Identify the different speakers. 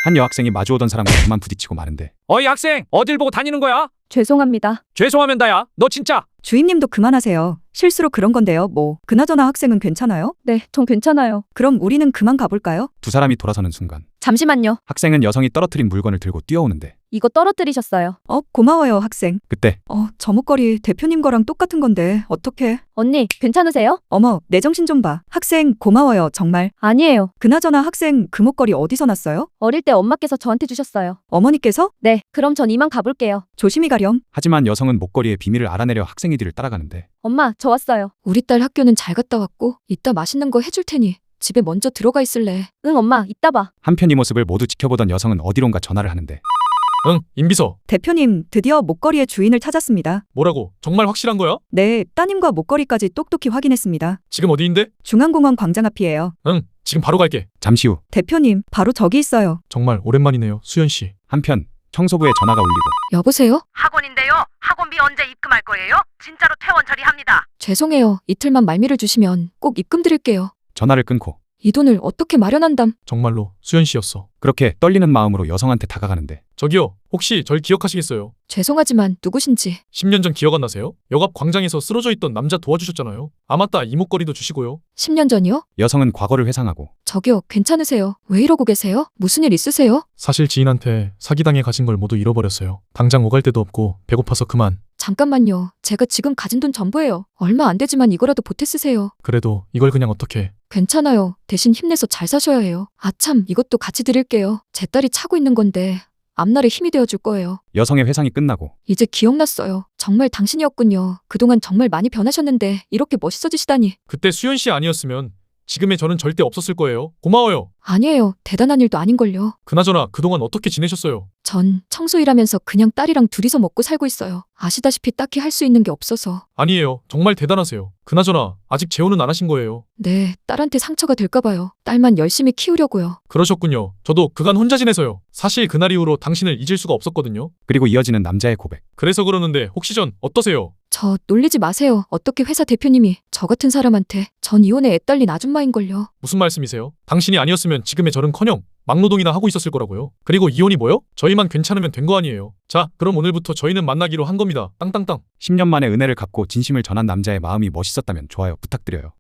Speaker 1: 한 여학생이 마주오던 사람과 그만 부딪히고 마는데
Speaker 2: 어이 학생, 어딜 보고 다니는 거야?
Speaker 3: 죄송합니다.
Speaker 2: 죄송하면 다야. 너 진짜.
Speaker 4: 주임님도 그만하세요. 실수로 그런 건데요. 뭐. 그나저나 학생은 괜찮아요?
Speaker 3: 네, 전 괜찮아요.
Speaker 4: 그럼 우리는 그만 가볼까요?
Speaker 1: 두 사람이 돌아서는 순간
Speaker 3: 잠시만요.
Speaker 1: 학생은 여성이 떨어뜨린 물건을 들고 뛰어오는데
Speaker 3: 이거 떨어뜨리셨어요.
Speaker 4: 고마워요, 학생.
Speaker 1: 그때
Speaker 4: 저 목걸이 대표님 거랑 똑같은 건데 어떡해?
Speaker 3: 언니, 괜찮으세요?
Speaker 4: 어머, 내 정신 좀 봐. 학생 고마워요, 정말.
Speaker 3: 아니에요.
Speaker 4: 그나저나 학생 그 목걸이 어디서 났어요?
Speaker 3: 어릴 때 엄마께서 저한테 주셨어요.
Speaker 4: 어머니께서?
Speaker 3: 네, 그럼 전 이만 가볼게요.
Speaker 4: 조심히 가렴.
Speaker 1: 하지만 여성은 목걸이의 비밀을 알아내려 학생의 뒤를 따라가는데
Speaker 3: 엄마, 저 왔어요.
Speaker 5: 우리 딸 학교는 잘 갔다 왔고 이따 맛있는 거 해줄 테니 집에 먼저 들어가 있을래.
Speaker 3: 응, 엄마, 이따 봐.
Speaker 1: 한편 이 모습을 모두 지켜보던 여성은 어디론가 전화를 하는데
Speaker 2: 응, 임비서.
Speaker 4: 대표님, 드디어 목걸이의 주인을 찾았습니다.
Speaker 2: 뭐라고? 정말 확실한 거야?
Speaker 4: 네, 따님과 목걸이까지 똑똑히 확인했습니다.
Speaker 2: 지금 어디인데?
Speaker 4: 중앙공원 광장 앞이에요.
Speaker 2: 응, 지금 바로 갈게.
Speaker 1: 잠시 후
Speaker 4: 대표님, 바로 저기 있어요.
Speaker 2: 정말 오랜만이네요, 수연 씨.
Speaker 1: 한편 청소부의 전화가 울리고
Speaker 5: 여보세요?
Speaker 6: 학원인데요. 학원비 언제 입금할 거예요? 진짜로 퇴원 처리합니다.
Speaker 5: 죄송해요. 이틀만 말미를 주시면 꼭 입금 드릴게요.
Speaker 1: 전화를 끊고
Speaker 5: 이 돈을 어떻게 마련한담?
Speaker 2: 정말로 수연 씨였어.
Speaker 1: 그렇게 떨리는 마음으로 여성한테 다가가는데
Speaker 2: 저기요, 혹시 절 기억하시겠어요?
Speaker 5: 죄송하지만 누구신지.
Speaker 2: 10년 전 기억 안 나세요? 역 앞 광장에서 쓰러져 있던 남자 도와주셨잖아요. 아 맞다, 이 목걸이도 주시고요.
Speaker 5: 10년 전이요?
Speaker 1: 여성은 과거를 회상하고
Speaker 5: 저기요, 괜찮으세요? 왜 이러고 계세요? 무슨 일 있으세요?
Speaker 2: 사실 지인한테 사기당해 가진 걸 모두 잃어버렸어요. 당장 오갈 데도 없고 배고파서 그만.
Speaker 5: 잠깐만요. 제가 지금 가진 돈 전부예요. 얼마 안 되지만 이거라도 보태 쓰세요.
Speaker 2: 그래도 이걸 그냥 어떻게.
Speaker 5: 괜찮아요. 대신 힘내서 잘 사셔야 해요. 아참, 이것도 같이 드릴게요. 제 딸이 차고 있는 건데 앞날에 힘이 되어줄 거예요.
Speaker 1: 여성의 회상이 끝나고
Speaker 5: 이제 기억났어요. 정말 당신이었군요. 그동안 정말 많이 변하셨는데 이렇게 멋있어지시다니.
Speaker 2: 그때 수연 씨 아니었으면 지금의 저는 절대 없었을 거예요. 고마워요.
Speaker 5: 아니에요. 대단한 일도 아닌걸요.
Speaker 2: 그나저나 그동안 어떻게 지내셨어요?
Speaker 5: 전 청소 일하면서 그냥 딸이랑 둘이서 먹고 살고 있어요. 아시다시피 딱히 할 수 있는 게 없어서.
Speaker 2: 아니에요. 정말 대단하세요. 그나저나 아직 재혼은 안 하신 거예요.
Speaker 5: 네, 딸한테 상처가 될까 봐요. 딸만 열심히 키우려고요.
Speaker 2: 그러셨군요. 저도 그간 혼자 지내서요. 사실 그날 이후로 당신을 잊을 수가 없었거든요.
Speaker 1: 그리고 이어지는 남자의 고백.
Speaker 2: 그래서 그러는데 혹시 전 어떠세요?
Speaker 5: 저 놀리지 마세요. 어떻게 회사 대표님이 저 같은 사람한테. 전 이혼에 애딸린 아줌마인걸요.
Speaker 2: 무슨 말씀이세요? 당신이 아니었으면 지금의 저는커녕 막노동이나 하고 있었을 거라고요. 그리고 이혼이 뭐요? 저희만 괜찮으면 된 거 아니에요. 자, 그럼 오늘부터 저희는 만나기로 한 겁니다. 땅땅땅.
Speaker 1: 10년 만에 은혜를 갚고 진심을 전한 남자의 마음이 멋있었다면 좋아요 부탁드려요.